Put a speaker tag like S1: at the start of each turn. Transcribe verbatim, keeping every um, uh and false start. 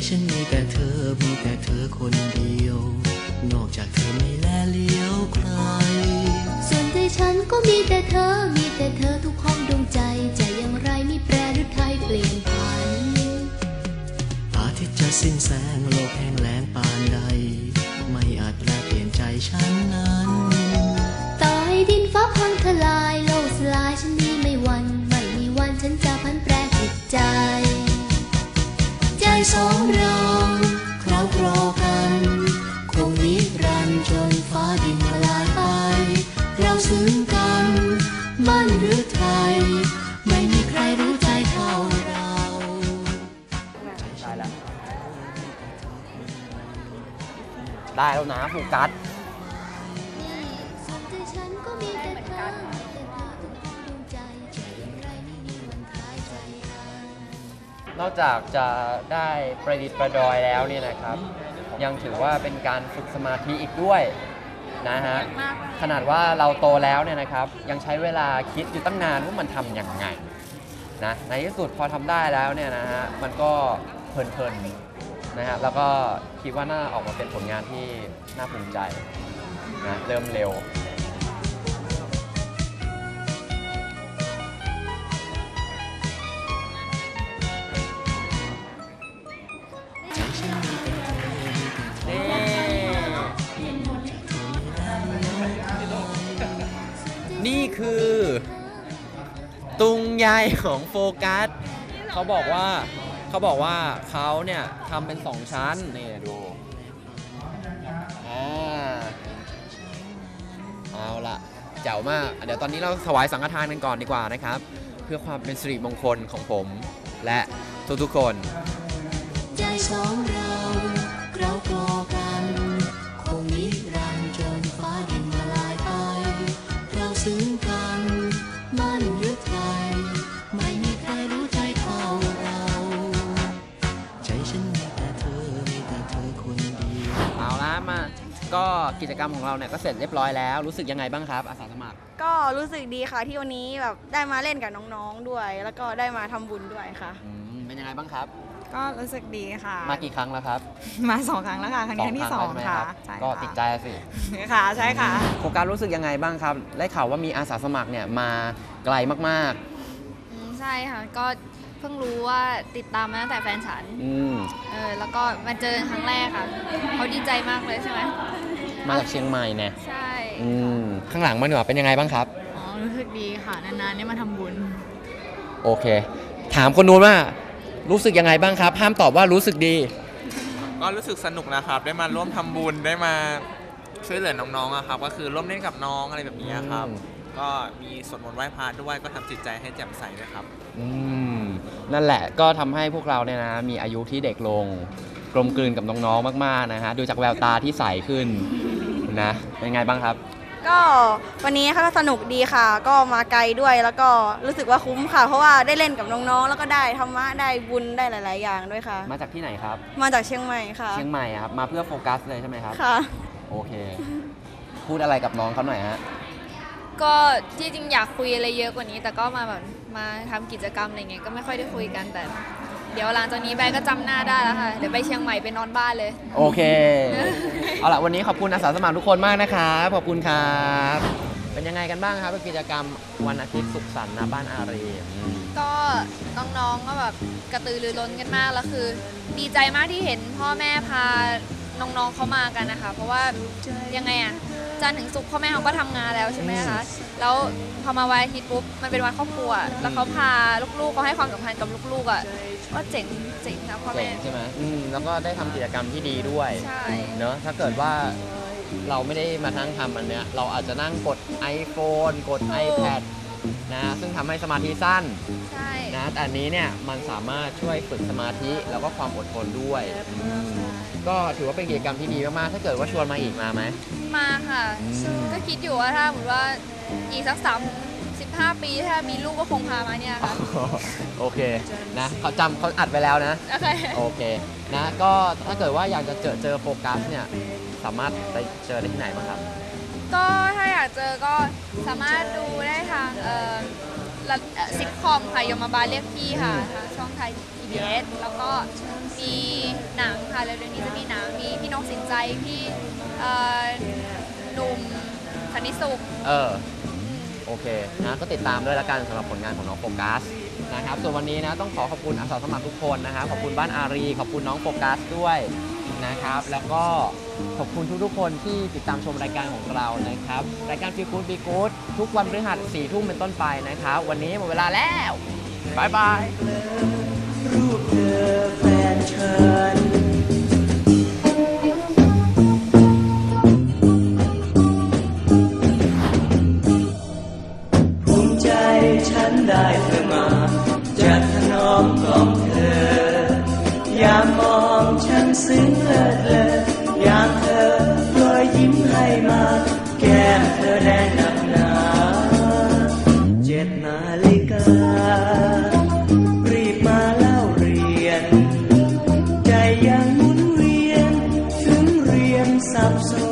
S1: ฉันมีแต่เธอมีแต่เธอคนเดียวนอกจากเธอไม่แลเลี้ยวใคร
S2: ส่วนใจฉันก็มีแต่เธอมีแต่เธอทุกห้องดวงใจจะอย่างไรไม่แปรหรือไทยเปลี่ยนผัน
S1: อาทิตย์จะสิ้นแสงโลกแห้งแล้งปานใดไม่อาจแปลเปลี่ยนใจฉันนั้น
S2: ต่อให้ดินฟ้าพังทลายโลกสลายฉันนี้ไม่หวั่นไม่มีวันฉันจะพันแปรจิตใจ
S1: ใจสองเราเคล้าคลอกันคงนิรันดร์จนฟ้าดินละลายไปเราซึ้งกันมั่นหรือไทยไม่มีใครรู้ใจเท่าเรา
S3: ได้แล้วได้แล้วนะโฟกัสนอกจากจะได้ประดิษฐ์ประดอยแล้วเนี่ยนะครับยังถือว่าเป็นการฝึกสมาธิอีกด้วยนะฮะขนาดว่าเราโตแล้วเนี่ยนะครับยังใช้เวลาคิดอยู่ตั้งนานว่ามันทำยังไงนะในที่สุดพอทำได้แล้วเนี่ยนะฮะมันก็เพลินๆนะฮะแล้วก็คิดว่าน่าออกมาเป็นผลงานที่น่าภูมิใจนะเริ่มเร็วนี่คือตุงใยของโฟกัสเขาบอกว่าเขาบอกว่าเขาเนี่ยทำเป็นสองชั้นนี่ดูอ่าเอาละเจ๋วมากเดี๋ยวตอนนี้เราถวายสังฆทานกันก่อนดีกว่านะครับเพื่อความเป็นสิริมงคลของผมและทุกๆคน
S1: ใจสองเราเรากลอกันคงนิรันดร์จนฟ้าดินละลายไปเราซึ้งกันมั่นหรือไทยไม่มีใครรู้ใจเท่าเราใจฉันมีแต่เธอมีแต่เธอคนเดียว
S3: เอาละมาก็กิจกรรมของเราเนี่ยก็เสร็จเรียบร้อยแล้วรู้สึกยังไงบ้างครับอาสาสมัคร
S4: ก็รู้สึกดีค่ะที่วันนี้แบบได้มาเล่นกับน้องๆด้วยแล้วก็ได้มาทำบุญด้วยค่ะ
S3: เป็นยังไงบ้างครับ
S5: ก็รู้สึกดีค่ะ
S3: มากี่ครั้งแล้วครับ
S5: มาสองครั้งแล้วค่ะครั้งนี้ครั้งที่สองค่ะ
S3: ก็ติดใจสิ
S5: ค่ะใช่ค่ะ
S3: โครงการรู้สึกยังไงบ้างครับได้ข่าวว่ามีอาสาสมัครเนี่ยมาไกลมาก
S6: ๆใช่ค่ะก็เพิ่งรู้ว่าติดตามมาตั้งแต่แฟนฉันเออแล้วก็มาเจอครั้งแรกค่ะเขาดีใจมากเลยใช่ไหม
S3: มาจากเชียงใหม่เนี่ย
S6: ใช่
S3: ข้างหลังมันเหนือเป็นยังไงบ้างครับ
S5: อ๋อรู้สึกดีค่ะนานๆได้มาทำบุญ
S3: โอเคถามคนนู้นว่ารู้สึกยังไงบ้างครับห้ามตอบว่ารู้สึกดี
S7: ก็รู้สึกสนุกนะครับได้มาร่วมทำบุญได้มาช่วยเหลือน้องๆครับก็คือร่วมเล่นกับน้องอะไรแบบนี้ครับก็มีสวดมนต์ไหว้พระด้วยก็ทำจิตใจให้แจ่มใสด้วยครับ
S3: อืมนั่นแหละก็ทำให้พวกเราเนี่ยนะมีอายุที่เด็กลงกลมกลืนกับน้องๆมากๆนะฮะดูจากแววตาที่ใสขึ้นนะเป็นไงบ้างครับ
S4: ก็วันนี้ก็สนุกดีค่ะก็มาไกลด้วยแล้วก็รู้สึกว่าคุ้มค่ะเพราะว่าได้เล่นกับน้องๆแล้วก็ได้ธรรมะได้บุญได้หลายๆอย่างด้วยค่ะ
S3: มาจากที่ไหนครับ
S4: มาจากเชียงใหม่ค่ะ
S3: เชียงใหม่ครับมาเพื่อโฟกัสเลยใช่ไหมครับ
S4: ค่ะ
S3: โอเคพูดอะไรกับน้องเขาหน่อยฮะ
S6: ก็ที่จริงอยากคุยอะไรเยอะกว่านี้แต่ก็มาแบบมาทำกิจกรรมอะไรเงี้ยก็ไม่ค่อยได้คุยกันแต่เดี๋ยวหลังจากนี้แบงก็จำหน้าได้แล้วค่ะเดี๋ยวไปเชียงใหม่ไปนอนบ้านเลย
S3: โอเคเอาล่ะวันนี้ขอบคุณอาสาสมัครทุกคนมากนะครับขอบคุณครับเป็นยังไงกันบ้างครับกิจกรรมวันอาทิตย์สุขสันต์ณบ้านอารี
S6: ก็น้องๆก็แบบกระตือรือร้นกันมากแล้วคือดีใจมากที่เห็นพ่อแม่พาน้องๆเขามากันนะคะเพราะว่ายังไงอะจันทร์ถึงศุกร์พ่อแม่เขาก็ทำงานแล้วใช่ไหมคะแล้วพอมาวันอาทิตย์ปุ๊บมันเป็นวันครอบครัวแล้วเขาพาลูกๆเขาให้ความสำคัญกับลูกๆอ่ะก็เจ๋งเจ๋งนะพ่อแม่
S3: ใช่ไหมอืมแล้วก็ได้ทำกิจกรรมที่ดีด้วย
S6: ใช่
S3: เนอะถ้าเกิดว่าเราไม่ได้มานั่งทำอันเนี้ยเราอาจจะนั่งกด iPhone กด iPad นะซึ่งทำให้สมาธิสั้นนะแต่อันนี้เนี่ยมันสามารถช่วยฝึกสมาธิแล้วก็ความอดทนด้วยก็ถือว่าเป็นกิจกรรมที่ดีมากๆถ้าเกิดว่าชวนมาอีกมาไหม
S6: มาค่ะก็คิดอยู่ว่าถ้าสมมติว่าอีกสักสามสิบห้าปีถ้ามีลูกก็คงพามาเนี่ยค่ะ
S3: โอเคนะเขาจำเขาอัดไว้แล้วนะ
S6: โอเค
S3: โอเคนะก็ถ้าเกิดว่าอยากจะเจอเจอโฟกัสเนี่ยสามารถไปเจอได้ที่ไหนบ้างครับ
S6: ก็ถ้าอยากเจอก็สามารถดูได้ทางเอ่อละเอ่อซิทคอมค่ะยมบาลเรียกพี่ค่ะทางช่องไทย พี บี เอส แล้วก็มีหนังค่ะเร็วๆนี้จะมีหนังมีพี่นกสินใจพี่เอ่อหนุ่มสันนิสุข
S3: เออ โอเคนะก็ติดตามด้วยละกันสำหรับผลงานของน้องโฟกัสนะครับส่วนวันนี้นะต้องขอขอบคุณอาสาสมัครทุกคนนะครับขอบคุณบ้านอารีขอบคุณน้องโฟกัสด้วยนะครับแล้วก็ขอบคุณทุกๆคนที่ติดตามชมรายการของเรานะครับรายการ Feel Good Be Good ทุกวันพฤหัสสี่ทุ่มเป็นต้นไปนะครับวันนี้หมดเวลาแล้วบายบาย
S1: รูปเธอแฟนฉันภูมิใจฉันได้เธอมาจะถนอมกล่อมเธอยามมองฉันซึ้งเลิศเลอยามเธอรอยยิ้มให้มาแก้มเธอแดงหนักหนาเจ็ดนาฬิการีบมาเล่าเรียนใจยังหมุนเวียนถึงเรียนสับสน